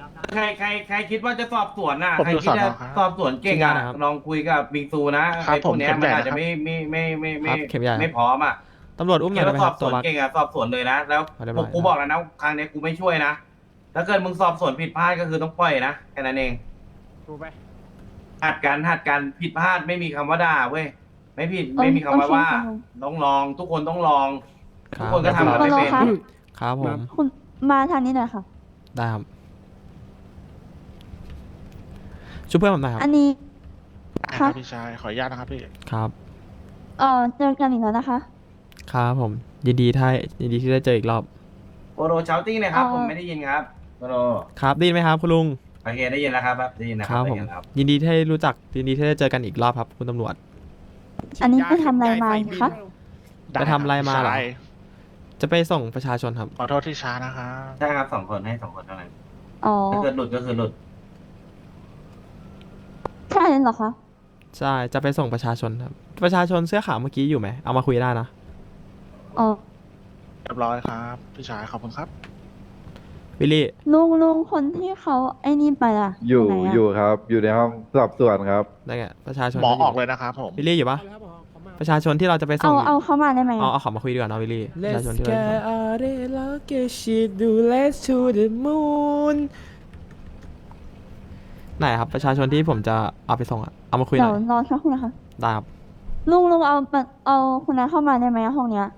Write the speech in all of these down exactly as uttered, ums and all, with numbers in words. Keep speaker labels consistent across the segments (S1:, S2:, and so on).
S1: ใครใครใครคิดว่าจะสอบสวนน่ะ
S2: ผม
S1: ใคร
S2: อยู่
S1: คิดจะ
S2: สอนอครับ
S1: สอบสวนเก่งอ่ะลองคุยกับบิงซูนะครับ ไอ้พวกเนี้ย
S2: ผม
S1: มันอาจ
S2: เข้มใหญ่นะครับ
S1: จะไม่ไม่ไม่ไม่ไม่
S3: ครับเข้มใหญ่ครับ
S1: ไม่พร้อมอ่ะ
S3: ตำรวจอุ้มหน่
S1: คิ
S3: อ
S1: ด
S3: ยได้
S1: ว่า
S3: ไหม
S1: ส
S3: ค
S1: อ
S3: รั
S1: บบ สวน
S3: ตัวบัส
S1: เก่งอ่ะสอบสวนเลยนะแล้ว
S3: เอาได้ไหม
S1: ผมกูบอกแล้วนะครั้งนี้กูไม่ช่วยนะถ้าเกิดมึงสอบสวนผิดพลาดก็คือต้องปล่อยนะแค่นั้นเอง
S2: ดูไป
S1: หัดกันหัดกันผิดพลาดไม่มีคำว่าด่าเว้ยไม่ผิด
S4: โอเค
S1: ไม่มีคำว่าว่า
S4: โอเค
S1: ต้องลองทุกคนต้องลอง
S3: ค
S1: ทุ
S3: รั
S1: ก
S3: บ
S1: คนก็ทำกันไม่เป็น
S4: ครับ
S3: ครับผม
S4: คุณมาทางนี้หน่อยค่ะ
S3: ได้ครับช่วยเพื่อนผมหน่อยครับ
S4: อันนี้
S2: ค
S4: ครั
S2: รับบ พี่ชายขออนุญาตนะครับพี่
S3: ครับ
S4: เอ่อเจอกันอีกแล้วนะคะ
S3: ครับผมยินดีถ้ายินดีที่ได้เจออีกรอบ
S1: โปโรเชาติ้งเลยครับ
S4: เอ่อ
S1: ผมไม่ได้ยินครับโปโร
S3: ครับได้ยินไหมครับคุณลุง
S1: โอเคได้ยินแล้วครับได้ยินนะ
S3: ค
S1: ค
S3: รั
S1: รั
S3: บบ ผ
S1: ได้
S3: ม
S1: ยินแล้วครับ
S3: ยินดีที่ได้รู้จักยินดีที่ได้เจอกันอีกรอบครับคุณตำรวจ
S4: อันนี้ไปทำอะไรมาคะ
S3: ไปทำอะไรมาเหรอ
S2: ด้คบพี่ชย
S3: จะไปส่งประชาชนครับ
S2: ขอโทษที่ช้านะครับ
S1: ใช่ครับสองคนให้สองคนเท่านั้น
S4: อ๋อ
S1: ถ้าเกิดหลุดก็คือหลุด
S4: ใช่เลยเหรอคะ
S3: ใช่จะไปส่งประชาชนครับประชาชนเสื้อขาวเมื่อกี้อยู่ไหมเอามาคุยได้นะ
S4: อ๋อ
S2: เรียบร้อยครับพี่ชายขอบคุณครับ
S3: วิลลี่
S4: ลุงลุงคนที่เขาไอ้นี่ไปล่ะ
S5: อยู่
S4: ไหนะ
S5: อยู่ครับ อยู่ในห้องสอบสวนครับ
S3: ได้ไงประชาชน
S2: หมอออก
S3: ยู่
S2: เลยนะครับผม
S3: วิลลี่อยู่ปะประชาชนที่เราจะไปส่
S4: เอา
S3: ง
S4: เอาเข้ามาได้ไหม
S3: เอาเอาเขอมาคุยดีกว่านะวิลลี่ประชาชนที่เราจะไปส่ง
S6: all day like a shit do let's to the moon
S3: ไหนครับประชาชนที่ผมจะเอาไปส่งอะเอามาคุยห
S4: เดี๋
S3: น่
S4: ยว
S3: อย
S4: รอสักครู่นะคะ
S3: ได้ครับ
S4: ลุงลุงเอาเอาคุณน้าเข้ามาได้ไหมห้องเนี้ย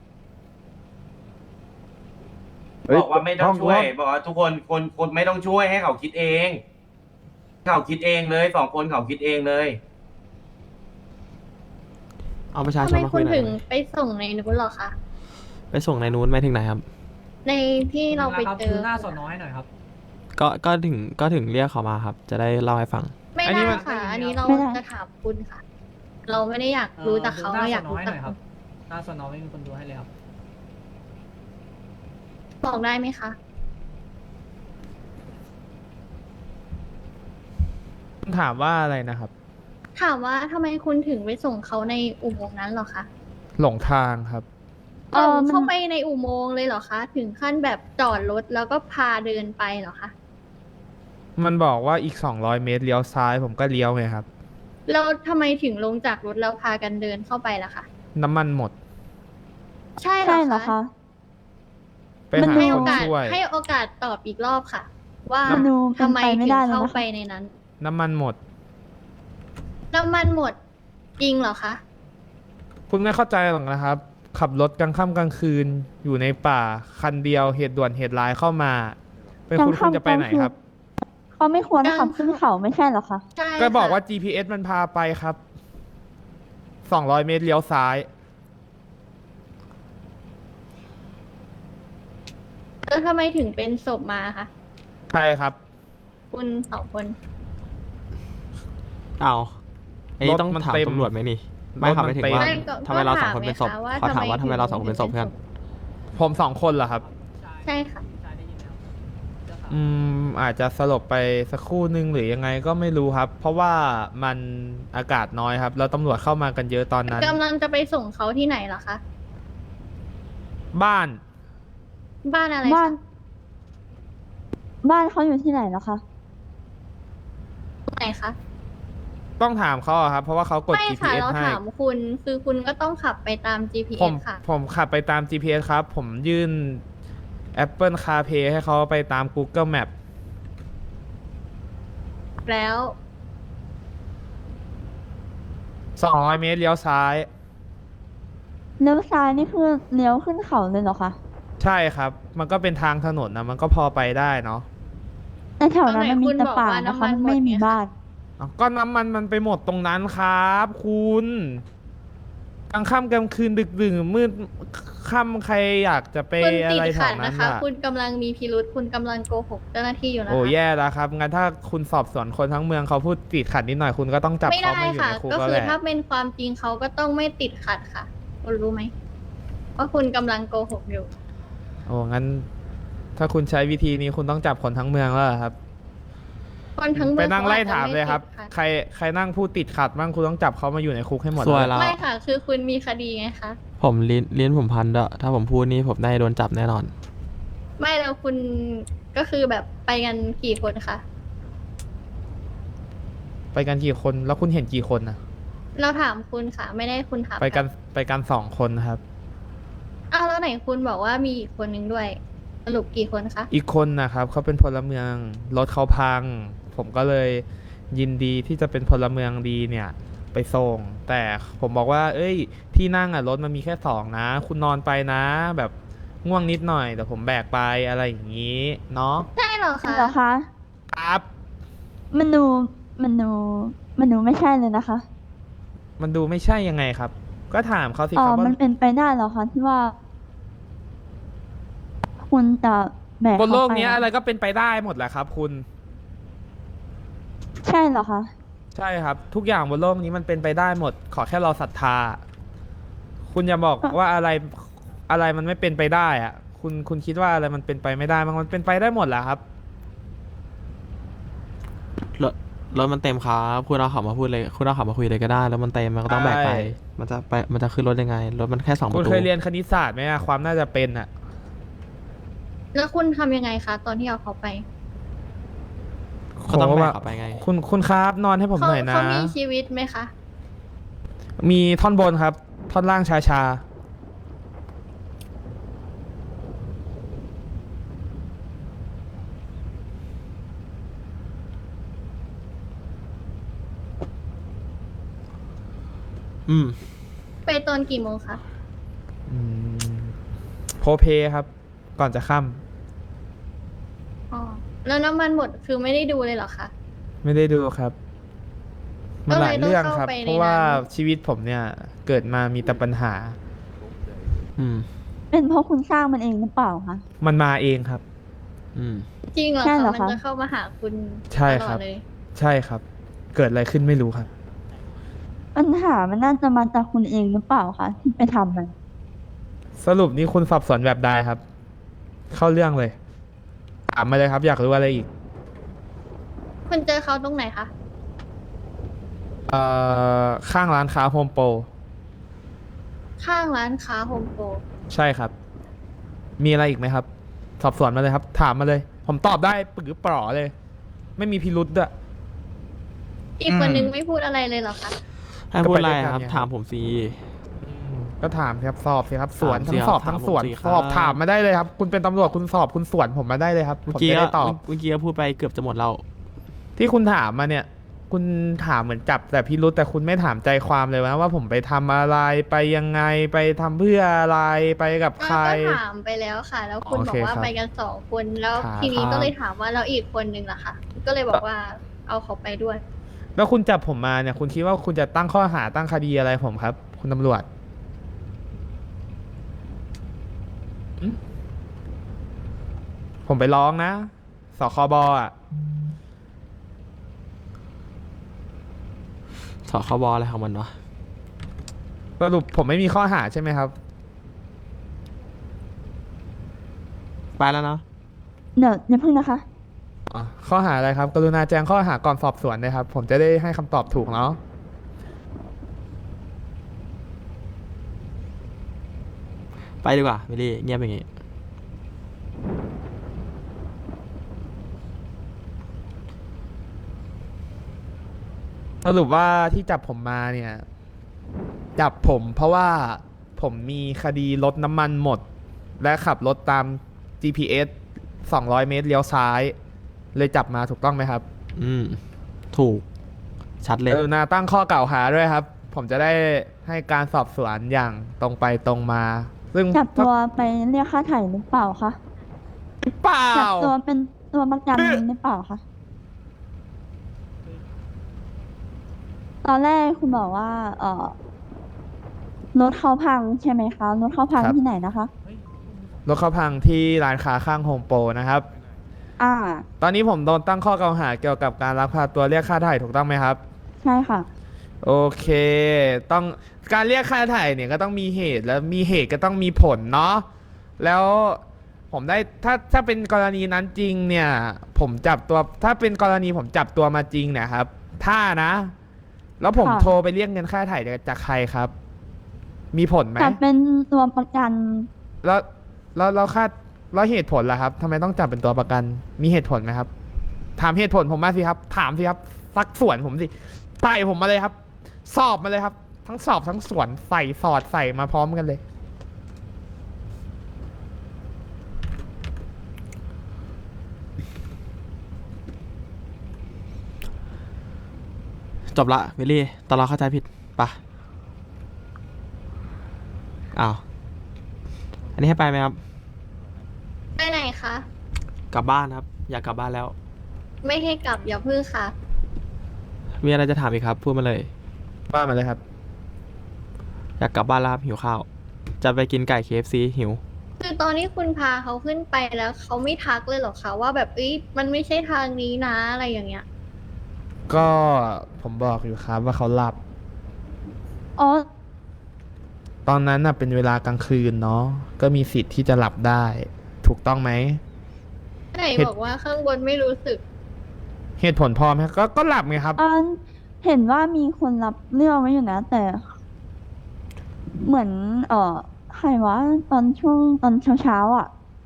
S5: เฮ้ย
S1: บอกว่าไม่ต้อง
S5: ห้อง
S1: ช่วย
S5: ห้อง
S1: บอกว่าทุกคนคนคนไม่ต้องช่วยให้เขาคิดเองเขาคิดเองเลยสองคนเขาคิดเองเลย
S3: เอาประชา
S7: ทำ
S3: ชน
S7: ไม
S3: มา
S7: คุ
S3: คุย
S7: ณ
S3: หน่อย
S7: ถึง
S3: นะ
S7: ไปส่งในนู้นเหรอคะ
S3: ไปส่งในนู้นไปถึงไหนครับ
S7: ในที่เราไปเจอ
S6: หน้าสอนน้อยหน่อยครับ
S3: ก็ก็ถึงก็ถึงเรียกเขามาครับ จะได้เล่าให้ฟัง
S7: ไม่
S6: อันนี้
S7: ได้
S6: มัน
S7: ค่ะ อันนี้เรา
S4: ไม่ได้
S7: จะถามคุณค่ะ เราไม่ได้อยากรู้จากเขาเราอยากรู้จากคุณ
S6: หน้าสอนน้อยไม่มีคนดูให้เลยครับ
S7: บอกได้ไหมคะ
S6: ถามว่าอะไรนะครับ
S7: ถามว่าทำไมคุณถึงไปส่งเขาในอุโมงค์นั้นเหรอคะ
S6: หลงทางครับ
S4: เออมัน
S7: เข้าไปในอุโมงค์เลยเหรอคะ ถึงขั้นแบบจอดรถแล้วก็พาเดินไปเหรอคะ
S6: มันบอกว่าอีกสองร้อยเมตรเลี้ยวซ้ายผมก็เลี้ยวไงครับ
S7: แล้วทำไมถึงลงจากรถแล้วพากันเดินเข้าไปล่ะคะ
S6: น้ำมันหมด
S7: ใช่เหร
S4: ใช่
S7: อ
S4: เหรอ
S7: คะ
S4: คะ
S6: ไปหา
S7: ให้
S6: ค
S7: โอน กาส
S6: ช่วย
S7: ให้โอกาสตอบอีกรอบค่ะ ว่า
S4: มันดูเป็น
S7: ทำไม
S4: ไปไม่
S7: ถึง
S4: ได้เลยนะคะ
S7: เข้าไปในนั้น
S6: น้ำมันหมด
S7: น้ำมันหมดจริงเหรอคะ
S6: คุณไม่เข้าใจหรอกนะครับ ขับรถกลางค่ำกลางคืนอยู่ในป่าคันเดียวเหตุด่วนเหตุร้ายเข้ามา เป็นคุณคุณจะไปไหนครับ
S4: เขาไม่ควรขับขึ้นเขาไม่ใช่เหรอคะ
S7: ใช่
S6: ก็บอก
S7: ค่ะ
S6: ว่า จี พี เอส มันพาไปครับสองร้อยเมตรเลี้ยวซ้าย
S7: แล้วทำไมถึงเป็นศพมาคะ
S6: ใช่ครับ
S7: คุณสองคน
S3: เอาอันนี้
S6: รถ
S3: ต้อง
S6: มัน
S3: ถาม
S6: เต็ม
S3: ตำรวจไหมนี่ ไม่ครับ
S6: รถมัน
S3: ไม่ถึง
S6: เต็ม
S3: ว่า
S7: ไม่ก็
S3: ทำไมเราสอง
S7: ก็
S3: คนเป็นศพ
S7: ถามไงคะว่า
S3: ขอถามว่า
S7: ทำ
S3: ทำ
S7: ไม
S3: ไมเราสองคน
S7: ถึง
S3: เป็นศพ
S7: เป็น
S3: เพื่อน
S7: ศพ
S6: ผมสองคนเหรอครับ
S7: ใช่ค่ะ
S6: อืมอาจจะสลบไปสักครู่หนึ่งหรือยังไงก็ไม่รู้ครับ เพราะว่ามันอากาศน้อยครับ แล้วตำรวจเข้ามากันเยอะตอนนั้น
S7: กำลังจะไปส่งเขาที่ไหนเหรอคะ
S6: บ้าน
S7: บ้านอะไร
S4: บ้าน
S7: คะ
S4: บ้านเขาอยู่ที่ไหนเหรอคะ
S7: ไหนคะ
S6: ต้องถามเขาอะครับ เพราะว่าเขากด
S7: ไม่
S6: จี พี
S7: ค่ะ
S6: เอส
S7: เรา
S6: ให้
S7: ถามคุณ คือคุณก็ต้องขับไปตาม จี พี
S6: ผ
S7: เอส
S6: ม
S7: ค่ะ
S6: ผมขับไปตาม จี พี เอส ครับ ผมยื่น Apple CarPlay ให้เขาไปตาม Google Map
S7: แล้ว
S6: สองร้อยเมตรเลี้ยวซ้าย
S4: เลี้ยวซ้ายนี่คือเลี้ยวขึ้นเขาเลยเหรอคะ
S6: ใช่ครับ มันก็เป็นทางถนนนะมันก็พอไปได้เนาะ
S4: แต่แถวนั้นมันมี
S7: ตอนไหนคุณ
S4: แต่
S7: บอก
S4: ป่า
S7: ว่า
S4: นะ
S7: น้ำมั
S4: คะ
S7: นหมด
S4: ไม่มี
S7: ไงคะ
S4: บ้าน
S6: อ้าวก็น้ำมันมันไปหมดตรงนั้นครับคุณกลางค่ำกลางคืนดึกดื่นมืดค่ำใครอยากจะไป
S7: คุณ
S6: อะ
S7: ติด
S6: ไรแถ
S7: ขัด
S6: วนั้
S7: นะ
S6: น
S7: คะ
S6: อ่ะ
S7: คุณกำลังมีพิรุษคุณกำลังโกหกเจ้าหน้าที่อยู่นะคะ
S6: โอ้แย่แล้วครับงั้นถ้าคุณสอบสวนคนทั้งเมืองเขาพูดติดขัดนิดหน่อยคุณก็ต้องจับ
S7: ไม่
S6: เขา
S7: ได้
S6: มาอยู่
S7: ค่ะ
S6: ในคุก
S7: ก็
S6: แล้ว
S7: คื
S6: แห
S7: อ
S6: ละ
S7: ถ้าเป็นความจริงเขาก็ต้องไม่ติดขัดค่ะ คุณรู้ไหมว่าคุณกำลังโกหกอยู่
S6: โอ้งั้น ถ้าคุณใช้วิธีนี้คุณต้องจับคนทั้งเมืองแล้วเหรอครับ
S7: คนทั้งเมื
S6: ไป
S7: อง
S6: นั่ง
S7: ข
S6: ไล่
S7: อจจะ
S6: ถามเลยครับ
S7: ไติดขัด
S6: ใครใครนั่งพูดติดขัดบ้างคุณต้องจับเขามาอยู่ในคุกให้หมด
S3: สวย
S6: เลย
S3: แล้ว
S7: ไม่ค่ะ คือคุณมีคดีไงคะ
S3: ผมลิ้นลิ้นผมพันด้วยถ้าผมพูดนี่ผมได้โดนจับแน่นอน
S7: ไม่แล้วคุณก็คือแบบไปกันกี่คนคะ
S6: ไปกันกี่คนแล้วคุณเห็นกี่คนนะ
S7: เราถามคุณค่ะ ไม่ได้คุณถาม
S6: ไปกันไปกันสองคนครับ
S7: อ้าวแล้วไหนคุณบอกว่ามีอีกคนนึงด้วย สรุปกี่คนคะ
S6: อีกคนนะครับเขาเป็นพลเมืองรถเขาพัง ผมก็เลยยินดีที่จะเป็นพลเมืองดีเนี่ย ไปส่ง แต่ผมบอกว่า เอ้ย ที่นั่งอ่ะรถมันมีแค่สองนะ คุณนอนไปนะ แบบง่วงนิดหน่อยแต่ผมแบกไปอะไรอย่างนี้เนาะ
S7: ใช่เหรอคะ
S4: เหรอคะ
S6: ครับ
S4: มันดูมันดูมันดูไม่ใช่เลยนะคะ
S6: มันดูไม่ใช่ยังไงครับ ก็ถามเขาสิ
S4: อ๋อ
S6: ครับว่า
S4: มันเป็นไปได้เหรอคะที่ว่า คุณจะแบก
S6: บนโลก
S4: เขาไป
S6: เนี้ยอะไรก็เป็นไปได้หมดแหละครับ คุณ
S4: ใช่เหรอคะ
S6: ใช่ครับ ทุกอย่างบนโลกนี้มันเป็นไปได้หมด ขอแค่เราศรัทธา คุณอย่าบอกว่าอะไรอะไรมันไม่เป็นไปได้อะคุณคุณคิดว่าอะไรมันเป็นไปไม่ได้มันมันเป็นไปได้หมดแหละครับ
S3: รถรถมันเต็มครับคุณเอาเขามาพูดเลยคุณเอาเขามาคุยเลยก็ได้แล้วมันเต็มมันก็ต้องแบกไป
S6: ใช่
S3: มันจะไปมันจะขึ้นรถยังไงรถมันแค่สองป
S6: คุณ
S3: ระตู
S6: เคยเรียนคณิตศาสตร์ไหมอะความน่าจะเป็นอะ
S7: แล้วคุณทำยังไงคะ ตอนที่เอาเขาไป
S3: ก็ต้องแบก
S6: ว่า
S3: เขาไปไง
S6: คุณคุณครับนอนให้ผม
S7: เขา
S6: หน่อยนะ
S7: เขามีชีวิตไหมคะ
S6: มีท่อนบนครับ ท่อนล่างชาชา
S3: อืม
S7: ไปตอนกี่โมงคะ
S6: อืมโพเพครับ ก่อนจะค่
S7: อ๋อ แล้วน้ำมันหมดคือไม่ได้ดูเลยเหรอคะ
S6: ำไม่ได้ดูครับมันหลายเรื่องครับ
S7: ก็เลยต้องเข้าไปใน
S6: เพราะว่า
S7: นั้น
S6: ชีวิตผมเนี่ยเกิดมามีแต่ปัญหา
S3: อืม
S4: เป็นเพราะคุณสร้างมันเองหรือเปล่าคะ
S6: มันมาเองครับ
S3: อืม
S7: จริงเหรอ
S4: ใช่
S7: คะ
S4: เหรอ
S7: มัน
S4: คะ
S7: จะเข้ามาหาคุณ
S6: ใช่
S7: ตล
S6: ครั
S7: อบ ดเลย
S6: ใช่ครับ เกิดอะไรขึ้นไม่รู้ครับ
S4: ปัญหามันน่าจะมาจากคุณเองหรือเปล่าคะที่ไปทำมัน
S6: สรุปนี่คุณสอบสวนแบบใดครับ เข้าเรื่องเลยถามมาเลยครับ อยากรู้อะไรอีก
S7: คุณเจอเขาตรงไหนคะ
S6: เอ่อข้างร้านค้าโฮมโปร
S7: ข้างร้านค้าโฮมโปร
S6: ใช่ครับ มีอะไรอีกไหมครับ สอบสวนมาเลยครับ ถามมาเลย ผมตอบได้ปึกปลอเลย ไม่มีพิรุษด้วย
S7: อีกคนนึงไม่พูดอะไรเลยเหรอคะ
S3: ให้พูดอะไร
S6: ก็ไปด้วยกัน
S3: ครับ
S6: ไง
S3: ถามผมฟรี
S6: อืมก็ถามครับสอบสิครับ สวน
S3: ถามสิ
S6: ทั้งสอบ
S3: ครับ
S6: ทั้งสวน
S3: ถามผมสิครับ
S6: สอบถามมาได้เลยครับ คุณเป็นตำรวจคุณสอบคุณสวนผมมาได้เลยครับ
S3: เมื่
S6: ผ
S3: อ
S6: ม
S3: กี้
S6: จะ
S3: ก็
S6: ได้ตอบ
S3: เมื่อกี้ก็พูดไปเกือบจะหมดแล้ว
S6: ที่คุณถามมาเนี่ย คุณถามเหมือนจับแต่พิรุษแต่คุณไม่ถามใจความเลยนะว่าผมไปทำอะไรไปยังไงไปทำเพื่ออะไรไปกับใคร
S7: ก็ถามไปแล้วค่ะ แล้วคุณ
S6: โอบ
S7: อ
S6: เค
S7: กว่า
S6: ครับ
S7: ไปกันสองคนแล้ว
S6: ครับ
S7: ทีนี้
S6: ครับ
S7: ก็เลยถามว่าแล้วอีกคนนึงล่ะคะ ก็เลยบอกว่าเอาเขาไปด้วย
S6: แล้วคุณจับผมมาเนี่ย คุณคิดว่าคุณจะตั้งข้อหาตั้งคดีอะไรผมครับ คุณตำรวจหึผมไปร้องนะสคบอ่ะ
S3: สคบอะไรของมันวะ
S6: สรุปผมไม่มีข้อหาใช่ไหมครับ
S3: ไปแล้วเนาะ
S4: เดี๋ยวอย่าเพิ่งนะคะ
S6: อ๋อข้อหาอะไรครับ กรุณาแจ้งข้อหาก่อนสอบสวนนะครับ ผมจะได้ให้คำตอบถูกเนาะ
S3: ไปดีกว่าวิลลี่เงียบอย่างงี้
S6: สรุปว่าที่จับผมมาเนี่ย จับผมเพราะว่าผมมีคดีรถน้ำมันหมด และขับรถตาม จี พี เอส สองร้อยเมตรเลี้ยวซ้าย เลยจับมาถูกต้องไหมครับ
S3: อืม ถูก ชัดเลย
S6: กรุณาตั้งข้อกล่าวหาด้วยครับ ผมจะได้ให้การสอบสวนอย่างตรงไปตรงมา ซึ่ง
S4: จับตัวไปเรียกค่าไถ่หรือเปล่าคะ
S6: เปล่า
S4: จับตัวเป็นตัวประกันหรือเปล่าคะ ตอนแรกคุณบอกว่า เออรถเขาพังใช่ไหมคะ รถเขาพังที่ไหนนะคะ
S6: รถเขาพังที่ร้านค้าข้างโฮมโปรนะครับ
S4: อ่า
S6: ตอนนี้ผมโดนตั้งข้อกล่าวหาเกี่ยวกับการลักพาตัวเรียกค่าไถ่ถูกต้องไหมครับ
S4: ใช่ค่ะ
S6: โอเค ต้องการเรียกค่าไถ่เนี่ยก็ต้องมีเหตุแล้วมีเหตุก็ต้องมีผลเนาะ แล้วผมได้ถ้าถ้าเป็นกรณีนั้นจริงเนี่ย ผมจับตัวถ้าเป็นกรณีผมจับตัวมาจริงเนะครับ ถ้านะ แล้วผม
S4: ค่ะ
S6: โทรไปเรียกเงินค่าไถ่จากใครครับ มีผลไหม
S4: จับเป็นตัวประกัน
S6: แล้วแล้วแล้วค่าแล้วเหตุผลล่ะครับทำไมต้องจับเป็นตัวประกัน มีเหตุผลไหมครับ ถามเหตุผลผมมาสิครับ ถามสิครับซักสวนผมสิใส่ผมมาเลยครับ สอบมาเลยครับ ทั้งสอบทั้งสวนใส่สอดใส่มาพร้อมกันเลย
S3: จบละวิลลี่ตอนเราเข้าใจผิดปะอ้าวอันนี้ให้ไปไหมครับ
S7: ไปไหนคะ
S3: กลับบ้านครับ อยากกลับบ้านแล้ว
S7: ไม่ให้กลับอย่าพึ่งค่ะ
S3: มีอะไรจะถามอีกครับ พูดมาเลย
S6: บ้านมาเลยครับ
S3: อยากกลับบ้านแล้วครับหิวข้าว จะไปกินไก่ เค เอฟ ซี หิว
S7: คือตอนที่คุณพาเขาขึ้นไปแล้วเขาไม่ทักเลยเหรอคะว่าแบบเอ้ยมันไม่ใช่ทางนี้นะอะไรอย่างเงี้ย
S6: ก็ผมบอกอยู่ครับว่าเขาหลับ
S4: อ๋อ
S6: ตอนนั้นน่ะเป็นเวลากลางคืนเนาะ ก็มีสิทธิ์ที่จะหลับได้ ถูกต้องไหม
S7: ไหนบอกว่าข้างบนไม่รู้สึก
S6: เหตุผลพอไหมก็ก็หลับไงครับ
S4: อันเห็นว่ามีคนรับเรื่องไว้อยู่นะ แต่ เหมือน เอ่อใครวะตอนช่วงตอนเช้าๆอ่ะ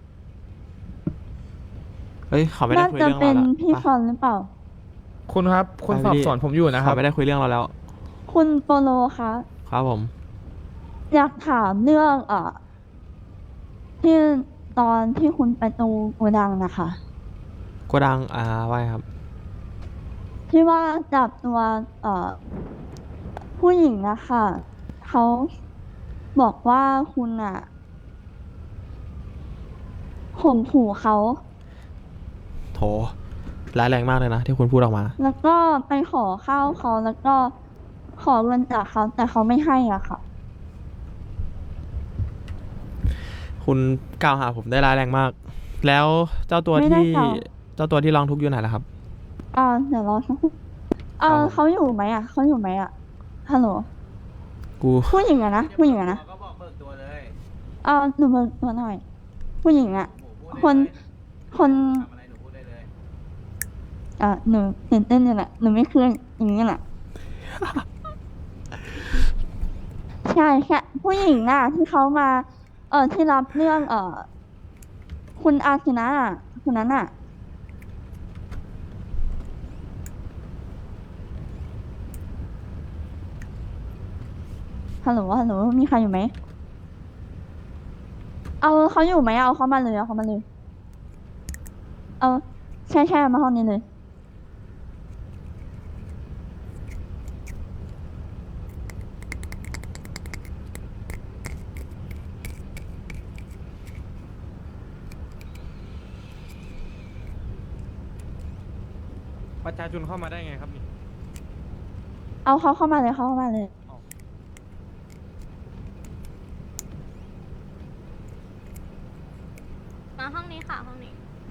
S3: เฮ้ยเขาไม่ได้
S4: น่า
S3: คุย
S4: จะ
S3: เรื่อง
S4: เป็
S3: เรา
S4: น
S3: แล้ว
S4: พี่
S3: ปะ
S4: ฟอนหรือเปล่า
S6: คุณครับคุณ
S3: ไป
S6: สอบ
S3: พี่
S6: สวนผมอยู่นะครั
S3: เขา
S6: บ
S3: ไม่ได้คุยเรื่องเราแล้ว
S4: คุณโปโลคะ
S3: ครับผม
S4: อยากถามเรื่อง เอ่อ ที่ตอนที่คุณไปตรงโกดังนะคะ
S3: โกดังอ่าว่าไงครับ
S4: ที่ว่าจับตัวเอ่อผู้หญิงนะคะเขาบอกว่าคุณอะข่มขู่เขา
S3: โถร้ายแรงมากเลยนะ ที่คุณพูดออกมา
S4: แล้วก็ไปขอข้าวเขาแล้วก็ขอเงินจากเขาแต่เขาไม่ให้อ่ะค่ะ
S3: คุณกล่าวหาผมได้ร้ายแรงมาก แล้วเจ้าตัว
S4: ไม่ได้
S3: ที่
S4: กล่าว
S3: เจ้าตัวที่ร้องทุกข์อยู่ไหนล่ะครับ
S4: อ่าเดี๋ยวรอสักครู่เอ
S3: ครับ
S4: อ
S3: ผม
S4: เขาอยู่ไหมอ่ะเขาอยู่ไหมอ่ะฮัลโหล
S3: กู
S4: ผู้หญิงอะนะผู้หญิงอะนะ
S1: ก็บอกเบิกตัวเลย
S4: เออหนูเบิกตัวหน่อย ผู้หญิงอ่ะ
S1: หมูพูดได้
S4: คน
S1: เลย
S4: คน
S1: ทำอะไรหนูพูดได้เลย
S4: อ่าหนูตื่นเต้นอยู่แหละหนูไม่เคยอย่างนี้แหละ ใช่แค่ผู้หญิงน่ะที่เขามา เออที่รับเรื่อง เออคุณอาคินะอ่ะคนนั้นอ่ะ ฮัลโหลฮัลโหลมีใครอยู่ไหม เอาเขาอยู่ไหมเอาเขามาเลยเอาเขามาเลย เอาใช่ใช่มาห้องนี้เลย
S3: ประชาชนเข้ามาได้ไงครับนี่
S4: เอาเขาเข้ามาเลยเขาเข้ามาเลย
S7: มาห้องนี้ค่ะห้องนี้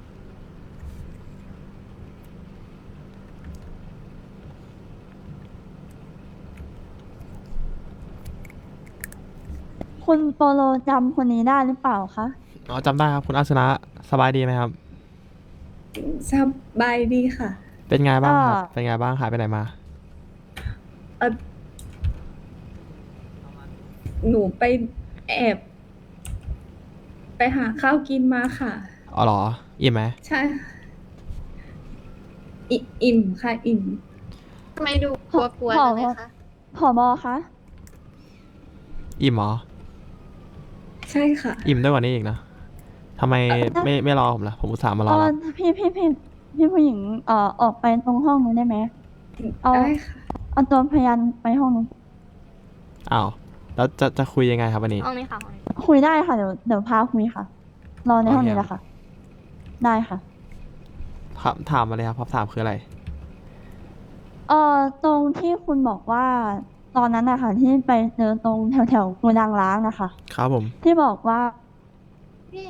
S4: คุณโปโลจำคนนี้ได้หรือเปล่าคะ
S3: อ๋อจำได้ครับคุณอาสนะสบายดีไหมครับ
S8: สบายดีค่ะ
S3: เป็นไงบ้างครับ
S4: อ่า
S3: เป็นไงบ้างหายไปไหนมา
S8: เออหนูไปแอบ ไปหาข้าวกินมาค่ะ
S3: อ๋อเหรอ อิ่มไหม
S8: ใช่ค่ะอิอิ่มค่ะ อิ่ม
S7: ทำไมดูกลัวๆกันเลยคะ
S4: ผอบอคะ
S3: อิ่มเหรอ
S8: ใช่ค่ะ
S3: อิ่มด้วยกว่านี้อีกนะทำไมไม่ไม่รอผมล่ะ ผมอุตส่าห์มาร
S4: เอ
S3: อ
S4: อ
S3: แล้ว
S4: พี่พี่พี่พี่ผู้หญิง เอ่อออกไปตรงห้องนู้นได้ไหม เอา
S8: ได้ค่ะ
S4: เอาตัวพยานไปห้องนู้น
S3: อ้าว แล้วจะจะคุยยังไงครับวันนี้
S7: ห้องนี้ค่ะห้องนี้
S4: คุยได้ค่ะ เดี๋ยวเดี๋ยวพาคุยค่ะ รอในห้องนี้แหละค่ะ ได้ค่ะ
S3: ครับถามมาเลยครับคำถามคืออะไร
S4: เอ่อตรงที่คุณบอกว่าตอนนั้นนะคะที่ไปเจอตรงแถวแถวๆโกดังล้างนะคะ
S3: ครับผม
S4: ที่บอกว่า
S7: พี่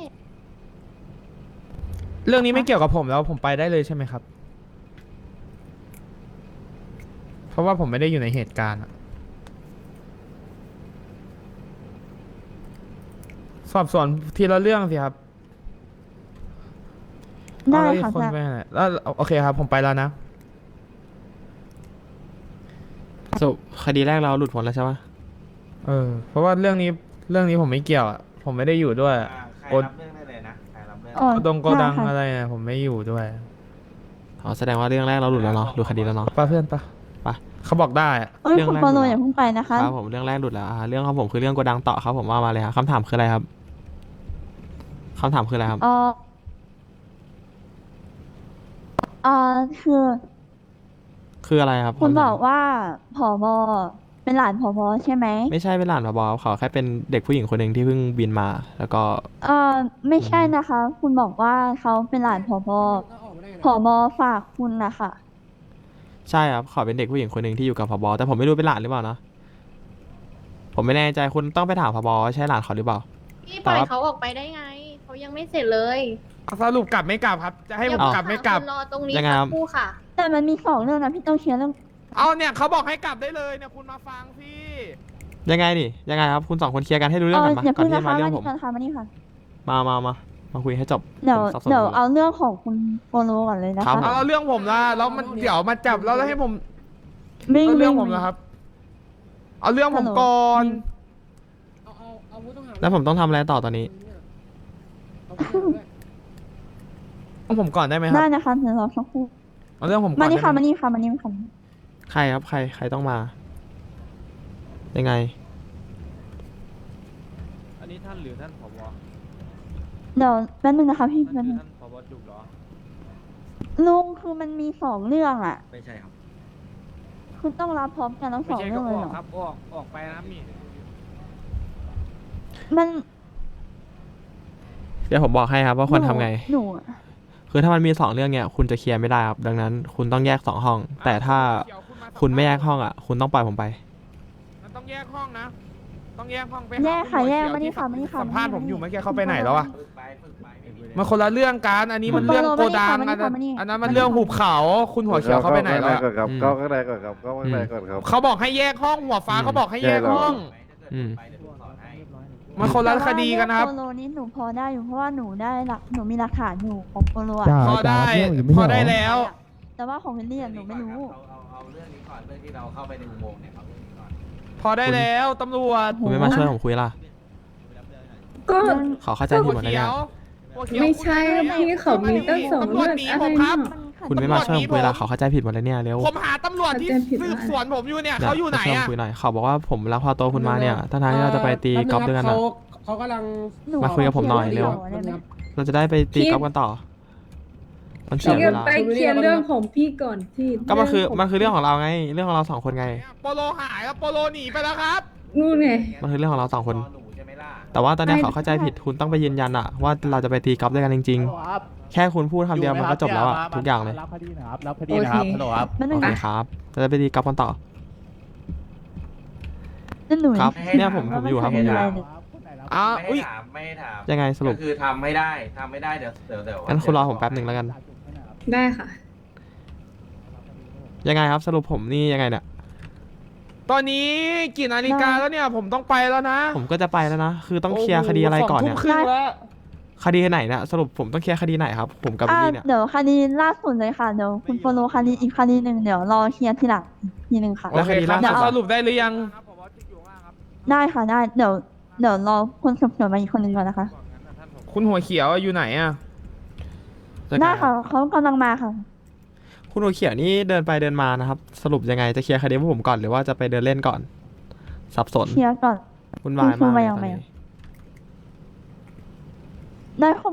S6: เรื่องนี้ไม่เกี่ยวกับผมแล้วผมไปได้เลยใช่ไหมครับ เพราะว่าผมไม่ได้อยู่ในเหตุการณ์อะสอบสวนทีละเรื่องสิครับ
S4: ได้
S6: เอาแล้วอีก
S4: ค่ะ
S6: คน
S4: ได้
S6: ไปไหนแล้วโอเคครับ ผมไปแล้วนะ
S3: สรุปคดีแรกเราหลุดพ้นแล้วใช่ปะ
S6: เออ เพราะว่าเรื่องนี้เรื่องนี้ผมไม่เกี่ยวอะผมไม่ได้อยู่ด้วย
S1: อ่าใคร
S6: โอน
S1: รับเรื่องได้เลยนะ ใครรับ
S4: อ๋อ
S6: โกดงโกดัง
S4: ค่ะ
S6: อะไรอะผมไม่อยู่ด้วย
S3: อ๋อแสดงว่าเรื่องแรกเราหลุดแล้วเนาะหลุดคดีแล้วเนาะ
S6: ป้าเพื่อนปะ
S3: ไป
S6: เขาบอกได้อะ
S4: เอ้ย
S3: เรื่อง
S4: คุณ
S3: แรก
S4: โปโล
S3: อยู่แล้ว
S4: อย่าเพิ่งไปนะคะ
S3: ครับผมเรื่องแรกหลุดแล้วอ่าเรื่องของผมคือเรื่องโกดังต่อครับผมว่ามาเลยครับคำถามคืออะไรครับคำถามคืออะไรครับ
S4: เออเออคือ
S3: คืออะไรครับ
S4: คุณ
S3: ำถม
S4: บอกว่าผอบอเป็นหลานผอบอใช่ไหม
S3: ไม่ใช่เป็นหลานผบครับเขาแค่เป็นเด็กผู้หญิงคนหนึ่งที่เพิ่งบินมา แล้วก็
S4: เออไม่ใช่นะคะ คุณบอกว่าเขาเป็นหลานผอบอผอบอฝากคุณนะคะ
S3: ใช่ครับเขาเป็นเด็กผู้หญิงคนหนึ่งที่อยู่กับผบแต่ผมไม่รู้เป็นหลานหรือเปล่านะผมไม่แน่ใจคุณต้องไปถามผบว่าใช่หลานเขาหรือเปล่า
S7: พี่ปล่อย
S3: แต่ว่า
S7: เขาออกไปได้ไง เขายังไม่เสร็จเลย
S6: สรุปกลับไม่กลับครับ จะให้ผม
S7: เดี๋ยว
S6: กลับไม่กลับ
S7: คุณรอตรงนี้
S3: ยังไง
S7: สั
S3: ครั
S7: ก
S3: บ
S7: ครู่ค่ะ
S4: แต่มันมีสองเรื่องนะพี่ต้องเคลียร์เรื่อง
S6: เอาเนี่ยเขาบอกให้กลับได้เลยเนี่ยคุณมาฟังสิ
S3: ยังไงดิยังไงครับคุณสองคนเคลียร์กันให้รู้
S4: เอ
S3: เรื่อง
S4: อ
S3: กันมา
S4: อย่า
S3: ก่อน
S4: เพิ่ง
S3: ที่
S4: นะ
S3: จะมา
S4: คะ
S3: เรื่อ
S4: มาง
S3: ผ
S4: นี่
S3: ม
S4: ก่อนค่ะมานี่ค่ะ
S3: มามามามาคุยให้จบ
S4: เดี๋ยว
S3: ผมสับสน
S4: เดี๋ยว
S3: หมด
S4: เอาเรื่องของคุณโปโลก่อนเลยนะ
S3: ครั
S4: คะ
S3: บ
S6: เอาเรื่องผมละแล้วมันเดี๋ยวมาจับแล้วแล้วให้ผม
S4: วิ่ง
S6: เอาเรื่อง
S4: วิ่
S6: ผมละครับ เอาเรื่องผมก่อน
S3: แล้วผมต้องทำอะไรต่อตอนนี้
S6: เอาผมก่อนได้ไหมค
S4: ได้
S6: รับ
S4: นะคะเดี๋ยวรอสักครู่
S6: เอาเรื่องผมก่อน
S4: มานี่ค่ะ
S6: ได้
S4: มา
S6: ไห
S4: นี่ค่ะมานี่ค่ะ
S3: ใครครับใครใครต้องมา ยังไง
S9: อันนี้ท่านหรือท่านผบ
S4: เดี๋ยวแป๊บนึงนะคะพี่แป๊บนึง
S9: ท่านผบจุกเหรอ
S4: ลุงคือมันมีสองเรื่องอ่ะ
S9: ไม่ใช่ครับ
S4: คุณต้องรับพร้อมกันทั้งส
S9: ไม่
S4: อง
S9: ใช่
S4: เรื่
S9: ก็
S4: อง
S9: อ
S4: เลย
S9: อ
S4: เหร
S9: ก
S4: อ
S9: ครับออกออกไปนะครับนี่
S4: มัน
S3: เดี๋ยวผมบอกให้ครับว่าควรทำไง
S4: หนูอะ
S3: คือถ้ามันมีสองเรื่องเนี่ยคุณจะเคลียร์ไม่ได้ครับ ดังนั้น คุณต้องแยกสองห้อง แต่ถ้าคุณไม่แยกห้องอ่ะ คุณต้องปล่อยผมไป
S6: มันต้องแยกห้องนะ ต้องแยกห้องไปหา
S4: แยกค่ะ
S6: ณหมอ
S4: แยก
S6: เขีว
S4: มานี่
S6: ที่
S4: ค่ะมานี่ค่ะ
S6: สัมภาษณ์ผมอยู่
S4: มา
S6: เมื่อ
S4: นี่
S6: กี้เขาไปไหนแล้วอะ
S1: ฝึกไปฝึกไปไม่มี
S6: มันคนละเรื่องกัน อันนี้มันเรื่องโกดัง
S4: มานี่
S6: อัน
S4: ค่ะ
S6: นั้น
S4: มานี่
S6: อันนั้นมันเรื่องหุบเขา คุณหัวเขียวเขาไปไหนแล้วอะ
S5: ก่อนครับ
S3: อืม
S5: เข้าข้างในก่อนครับเข้าข้างในก่อนครับ
S6: เขาบอกให้แยกห้องหัวฟ้า
S3: อืม
S6: เขาบอกให้แยกห้อง
S3: อืม
S1: ไปเดี๋ยวผมสอนให้
S6: มันคนละคดีกันนะครับ
S4: แต่ว่าเรื่องโปโลนี้หนูพอได้อยู่เพราะว่าหนูได้หลักหนูมีหลักฐานอยู่ของโปโลอะ
S6: พอได้ พอได้แล้ว
S4: แต่ว่าของเฮนรี่อะหนูไม่รู้
S1: เอาเอาเอาเรื่องนี้ก่อนเรื่องที่เราเข้าไปในอุโมงค์เนี่ยเอาเรื่องนี้ก่อน
S6: พอได้แล้วตำรวจ
S3: คุณไม่มาช่วยผมคุยล่ะ
S8: ก็
S3: ขอเข้าใจผิดหมดเลย
S6: เขี
S3: เนี่ย
S6: ยวหัวเขียว
S8: ไม่ใช่ครับพี่เขามีตั้งสอง
S6: ตำรวจ
S8: เรื่อง
S6: หนี
S8: อะ
S6: ผ
S8: ไร
S6: มครับ
S8: น่ะ
S3: คุณไม่มาช่วยผมคุยล่ะขอเข้าใจผิดหมดเลยเนี่ยเร็ว
S6: ผมหาตำรวจที่
S8: เข้าใจผิด
S6: สืบ
S8: มาก
S6: สวนผมอยู่เนี่ย
S3: นี่
S6: เขาอยู่ไหน
S3: มช่ว
S6: อะ
S3: คุยหน่อยเขาบอกว่าผมลักพาตัวคุณมาเนี่ยทั้งๆที่เราจะไปตีกอล์ฟด้วยกันอะ
S9: เขากำลัง
S4: หนู
S3: มาคุยกับผมหน่อยเร็ว
S4: ได้ไหม
S3: เราจะได้ไปตีกอล์ฟกันต่อ มันเสีย
S8: เดี๋
S3: เว
S8: ยว
S3: ลา
S8: ไปเคลียร์เรื่องของพี่ก่อนพี่
S3: ก็มันคือ
S8: เรื่งขง
S3: มันคือเรื่องของเราไง เรื่องของเราสองคนไง
S6: โปโลหายแล้วโปโลหนีไปแล้วครับ
S8: นู่นไง
S3: มันคือเรื่องของเราสองคน
S1: รหนูใช่ไหมล่ะ
S3: แต่ว่าตอนเนี้ย
S8: ไม่
S3: เขาเข้าใจผิดคุณต้องไปยืนยันอะว่าเราจะไปตีกอล์ฟด้วยกันจริง ๆ แค่คุณพูดคำเดียวมันก็จบแล้วอะทุกอย่างเลย
S9: รับคดีนะครับรับคดี
S8: โอ
S9: นะ
S8: เค
S9: ครับฮัลโหลครับ
S4: แป๊บนึ
S3: โอง เค
S4: นะครับ
S3: เราจะไปตีกอล์ฟกันต่อ
S4: นั่นหนู
S3: ครับ
S1: ให้
S3: เนี่ย
S1: ถาม
S3: ผมผมอยู่ครับ
S4: ว่า
S3: ผมอยู่
S4: นเกิดะไรเนี่ย
S6: อ้าว
S1: ไม่
S6: อุ้
S1: ให้
S6: ย
S1: ถามไม่ให้ถาม
S3: ยังไงสรุป
S1: ก็คือทำไม่ได้ทำไม่ได้เดี๋ยวเดี๋ยวเดี๋ยว
S3: งั้นคุณรอผมแป๊บหนึ่งแล้วกัน
S8: ได้ค่ะ
S3: ยังไงครับสรุปผมนี่ยังไงเนี่ย
S6: ตอนนี้กี่นาฬิกาแล้วเนี่ย ผมต้องไปแล้วนะ
S3: ผมก็จะไปแล้วนะ คือต้องเคลียร์คดีอะไรก่อนเนี่ย
S6: สงทุ่มครึ่งแล้ว
S3: คดีไหนเนี่ยสรุปผมต้องเคลียร์คดีไหนครับ ผมกับบิล
S4: อ่า
S3: ลี่เนี่ย
S4: เดี๋ยวคดีล่าสุดเลยค่ะเดี๋ยวคุณโปโลคดีอีกคดีหนึ่งเดี๋ยวรอเคลียร์ทีหลังอีกทีหนึ่งค่ะ
S3: แล้
S6: โอ
S3: ว
S6: เค
S3: คดี
S6: ครั
S3: ล่า
S6: บ
S3: สุด
S6: สรุปได้หรือยัง
S4: ได้ค่ะได้เดี๋ยวเดี๋ยวรอคนสืบสวนมาอีกคนหนึ่งก่อนนะคะ
S6: คุณหัวเขียวอยู่ไหนอะ
S4: ได้ค่ะเขากำลังมาค่ะ
S3: คุณหัวเขียวนี่เดินไปเดินมานะครับ สรุปยังไงจะเคลียร์คดีพวกผมก่อนหรือว่าจะไปเดินเล่นก่อน สับสน
S4: เคลียร์ก่อน
S3: วุ่นวายมากเลย
S4: คุณครูมายัง
S3: ตอน
S4: ไง
S3: นี้
S4: อะ ได้ค่ะ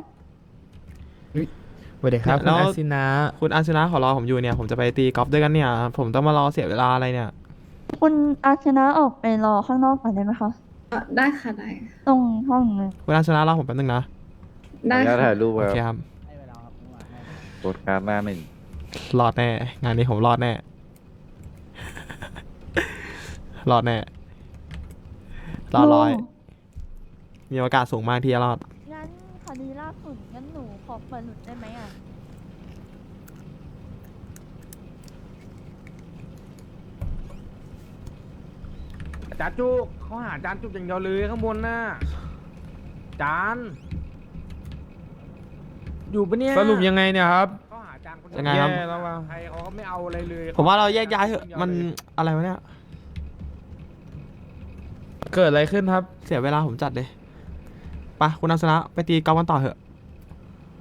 S6: สวัสดีครับคุณอาซินะ
S3: คุณอาชนะขอรอผมอยู่เนี่ย ผมจะไปตีกอล์ฟด้วยกันเนี่ย ผมต้องมารอเสียเวลาอะไรเนี่ย
S4: คุณอาชนะออกไปรอข้างนอกก่อนได้ไหมคะ
S8: อ่ะได้ค่ะได้
S4: ตรงห้องเลย
S3: คุณอาชนะรอผมแป๊บนึงนะ
S8: ได้
S5: ขออนุญาต
S8: ค่ะ
S5: ถ่ายรูป
S3: โอ
S5: ค
S3: เครับ ครับ
S5: กดการดหน้าหนึ่ง
S3: รอดแน่ งานนี้ผมรอดแน่ รอดแน่ รอดร้อย มีโอกาสสูงมากที่จะรอด
S4: งั้นคดีล่าสุดงั้นหนูขอเปิดหลุดได้ไหมอ่ะ
S9: จานจุกเขาหาจานจุกอย่างเดียวเลยข้างบนน่ะจานอยู่ปะเนี่ย
S6: สรุปยังไงเนี่ยครับ
S9: เขาหาจานคนเดีว
S3: ยังไงครับ
S6: แย่แล้วว่ะ
S9: ใครเขาก็ไม่เอาอะไรเลย
S3: ผมว่าเราแยกย้ายเถอะ มันอะไรวะเนี่ย
S6: เกิดอะไรขึ้นครับ
S3: เสียเวลาผมจัดเลยไปคุณอาชนะไปตีกอล์ฟกันต่อเถอะ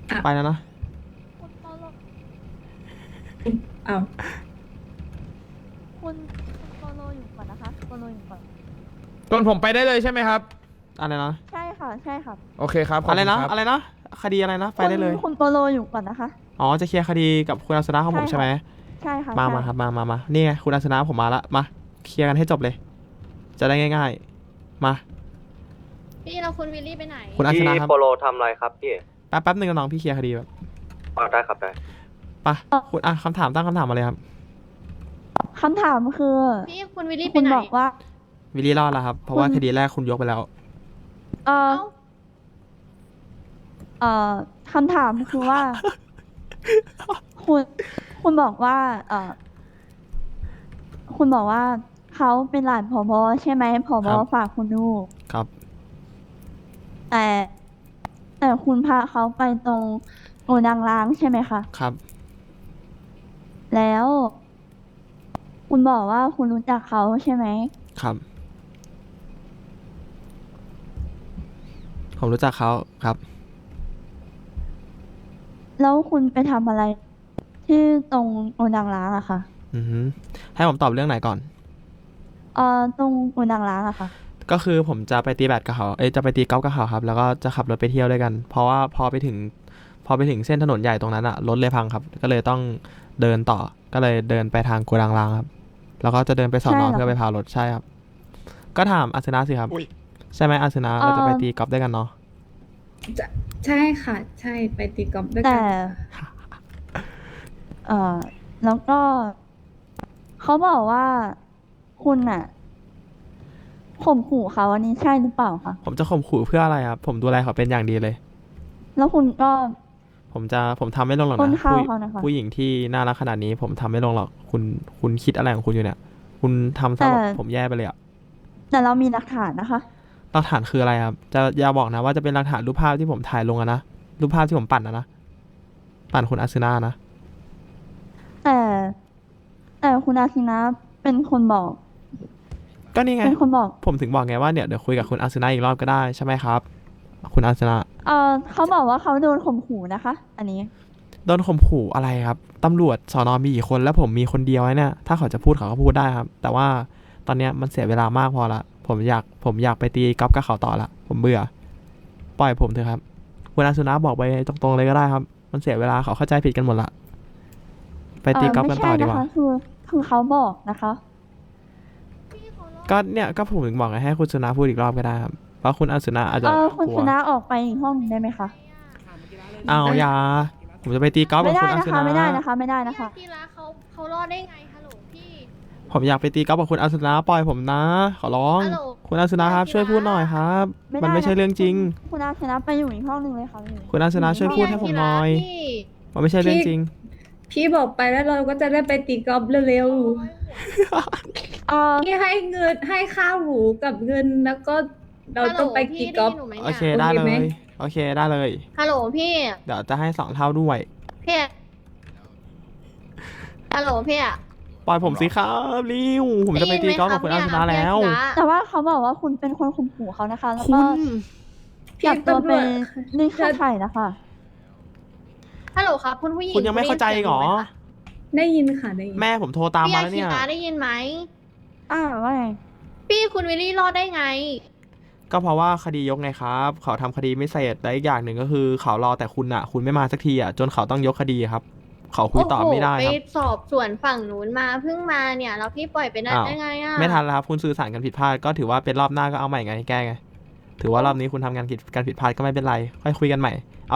S3: ไปแล้วนะ
S4: คุณโปโล
S8: อ้าว
S4: คุณคุณโปโลอยู่ก่อนนะคะโปโลอยู่ก่อน
S6: จนผมไปได้เลยใช่ไหมครับ
S3: อะไรนะ
S4: ใช่ค่ะใช่ครับ
S6: โอเคครับขบ
S3: อะไร
S6: คุณ
S3: นะ
S6: คบ
S3: อะไรนะ คดีอะไรนะ ไปได้เลย
S4: คุณคุณโปโลอยู่ก่อนนะคะ
S3: อ๋อ จะเคลียร์คดีกับคุณอาสนะของผม
S4: ใช่
S3: ใช่ไหม
S4: ใช่ค่ะ
S3: มา
S4: ใช่
S3: มาครับ มามามานี่ไงคุณอาสนะผมมาละ มา เคลียร์กันให้จบเลย จะได้ง่าย ๆ มา
S7: พี่เราคุณวิลลี่ไปไหน
S3: คุณอาสนะครับ
S1: โปโลทำอะไรครับพี่
S3: แป๊บแป๊บหนึ่งน้องพี่เคลียร์คดีแบบ
S1: อ๋อได้ครับได้
S3: ไปคุณอ่ะคำถามตั้งคำถามมาเลยครับ
S4: คำถามคือ
S7: พี่คุณวิลลี่ไป
S4: คุณ
S7: ไหน
S4: บอกว่า
S3: วิลลี่รอดแล้วครับ เพราะว่า
S4: คุณ
S3: คดีแรกคุณยกไปแล้ว
S4: เออ
S7: เอ้า
S4: เอ่อคำถามคือว่า คุณคุณบอกว่า เอ่อ คุณบอกว่าเขาเป็นหลานผบใช่ไหมผบ
S3: ครับ
S4: ฝากคุณดูก
S3: ครับ
S4: แต่แต่คุณพาเขาไปตรงโกดังล้างใช่ไหมคะ
S3: ครับ
S4: แล้ว คุณบอกว่าคุณรู้จักเขาใช่ไหม
S3: ครับ ผมรู้จักเขาครับ
S4: แล้วคุณไปทำอะไร ที่ตรงโกดังล้างอะค่ะ
S3: อือฮึให้ผมตอบเรื่องไหนก่อน
S4: เอ่อตรงโกดังล้างอะค่ะ
S3: ก็คือผมจะไปตีแบดกับเขา เอ้ยจะไปตีกอล์ฟกับเขาครับ แล้วก็จะขับรถไปเที่ยวด้วยกัน เพราะว่าพอไปถึง พอไปถึงเส้นถนนใหญ่ตรงนั้นอะรถเลยพังครับ ก็เลยต้องเดินต่อ ก็เลยเดินไปทางโกดังรางครับ แล้วก็จะเดินไปสอน
S4: ใช่
S3: อ
S4: เหรอ
S3: เพื่อไปพารถใช่ครับ ก็ถามอาสนะสิครับ ใช่ไหมอาสนะ
S4: เอ่อ
S3: เราจะไปตีกอล์ฟด้วยกันเนาะ
S8: จะใช่ค่ะ ใช่ไปตีกอล์ฟด้วย
S4: แต่
S8: กัน
S4: เอ่อ แล้วก็ เขาบอกว่า คุณอะข่มขู่เขาอันนี้ใช่หรือเปล่าคะ
S3: ผมจะข่มขู่เพื่ออะไรครับ ผมดูแลเขาเป็นอย่างดีเลย
S4: แล้วคุณก็
S3: ผมจะผมทำไม่ลงหรอก
S4: ปล้น
S3: นะ
S4: ข้าว
S3: ผู้
S4: เขานะคะ
S3: ผู้หญิงที่น่ารักขนาดนี้ ผมทำไม่ลงหรอก คุณคุณคิดอะไรของคุณอยู่เนี่ย คุณทำซะแบบ
S4: แต่
S3: ผมแย่ไปเลยอะ
S4: แต่เรามีหลักฐานนะคะ
S3: หลักฐานคืออะไรครับ จะอย่าบอกนะว่าจะเป็นหลักฐานรูปภาพที่ผมถ่ายลงอะนะ รูปภาพที่ผมปั่นอะนะ ปั่นคุณอาซึนานะ
S4: แต่แต่คุณอาคินะเป็นคนบอก
S3: ก็นี่ไง
S4: เป็นคนบอก
S3: ผมถึงบอกไงว่าเนี่ยเดี๋ยวคุยกับคุณอาซึนาอีกรอบก็ได้ใช่ไหมครับ คุณอาซึนา
S4: เออเขาบอกว่าเขาโดนข่มขู่นะคะ อันนี้
S3: โดนข่มขู่อะไรครับ ตำรวจสอนอมีกี่คนแล้วผมมีคนเดียวไอ้เนี่ย ถ้าเขาจะพูดเขาก็พูดได้ครับ แต่ว่าตอนเนี้ยมันเสียเวลามากพอละ ผมอยากผมอยากไปตีกอล์ฟกับเขาต่อละ ผมเบื่อ ปล่อยผมเถอะครับ คุณอาซึนาบอกไปตรงๆเลยก็ได้ครับ มันเสียเวลาเขาเข้าใจผิดกันหมดละ ไปตีกอล์ฟกันต่อดีกว่า
S4: เไม่ใช่นะคะคือคือเขาบอกนะคะ
S7: พี่เขารอด
S3: ก็เนี่ยก็ผมถึงบอกไงให้คุณสุนาพูดอีกรอบก็ได้ครับ เพราะคุณอาซึนาอาจจะ
S4: เออคุณ
S3: กลั
S4: ช
S3: ว
S4: นะออกไปอีกห้องหนึ่งได้ไหมคะ
S3: เอาอยาผมจะไปตีกอล์ฟ
S4: ไม่
S3: กับ
S4: ได้
S3: คุณอา
S4: นะ
S3: ซึ
S4: คะ
S3: นา
S4: ไม่ได้นะคะ ไม่ได้นะคะ
S7: พี่รักเขาเขารอดได้ไงฮัลโหลพี่
S3: ผมอยากไปตีกอล์ฟกับคุณอาซึนาปล่อยผมนะ ขอร้อง
S7: ฮัลโหล
S3: คุณอาซึนาครับช่วยพูดหน่อยครับ
S4: ไม่ได้
S3: มันไม่ใช่
S4: นะ
S3: เรื่องจริง
S4: คุณคุณอาชนะไปอยู่อีกห้องหนึ่งเลยค่ะพี่
S3: คุณอาซึนาช่วยพูดให้ผมหน่อย
S7: พี่
S3: มันไม่ใช่เรื่องจริง
S8: พี่บอกไปแล้วเราก็จะได้ไปตีกอล์ฟเร็ว
S4: เออ
S8: ๆพี่ให้เงินให้ค่าหูกับเงินแล้วก็เราต้องไปตีกอล์ฟ
S7: ฮัลโหลพี่
S3: โอ
S7: ได้
S3: เค
S7: ยินหนูไหม
S3: ได้เล
S8: โอเคไหม
S3: ย โอเคได้เลย
S7: ฮัลโหลพี่
S3: เดี๋ยวจะให้สองเท่าด้วย
S7: พี่ฮัลโหลพี่อะ
S3: ปล่อยผมสิครับริวผมจะไปตีกอล์ฟกับคุณอาซึนาแล้ว
S4: แต่ว่าเขาบอกว่าคุณเป็นคนข่มขู่เขานะคะ แล้ว
S3: คุ
S4: ก็
S3: ณ
S8: พี่
S4: จับตัว
S8: ตำร
S4: ไป
S8: วจ
S4: นี่ค่าไถ่นะคะ
S7: ฮัลโหลครับคุณผู้หญิง
S3: คุณยังไม่เข้าใจอีกเหรอ
S8: ได้ยินค่ะได้ยิน
S3: แม่ผมโทรตาม
S7: พี่
S3: มา
S7: อา
S3: แล้ว
S7: คิ
S3: เนี่ย
S7: ระได้ยินไหม
S4: อ่าว่าไง
S7: พี่คุณวิลลี่รอดได้ไง
S3: ก็เพราะว่าคดียกไงครับ เขาทำคดีไม่เสร็จและอีกอย่างหนึ่งก็คือเขารอแต่คุณอ่ะ คุณไม่มาสักทีอ่ะจนเขาต้องยกคดีครับ เขาคุยต่อไม่ได้
S7: โอ้โห
S3: ค
S7: ไป
S3: รับ
S7: สอบส่วนฝั่งนู้นมาเพิ่งมาเนี่ยแล้วพี่ปล่อยไปได้
S3: อ้าว
S7: ได้ไงอะ
S3: ไม่ทันแล้วครับ คุณสื่อสารกันผิดพลาดก็ถือว่าเป็นรอบหน้าก็เอาใหม่ไงแก้ไง ถือว่ารอบนี้คุณทำงานผิดการผิดพลาดก็ไม่เป็นไร ค่อยคุยกันใหม่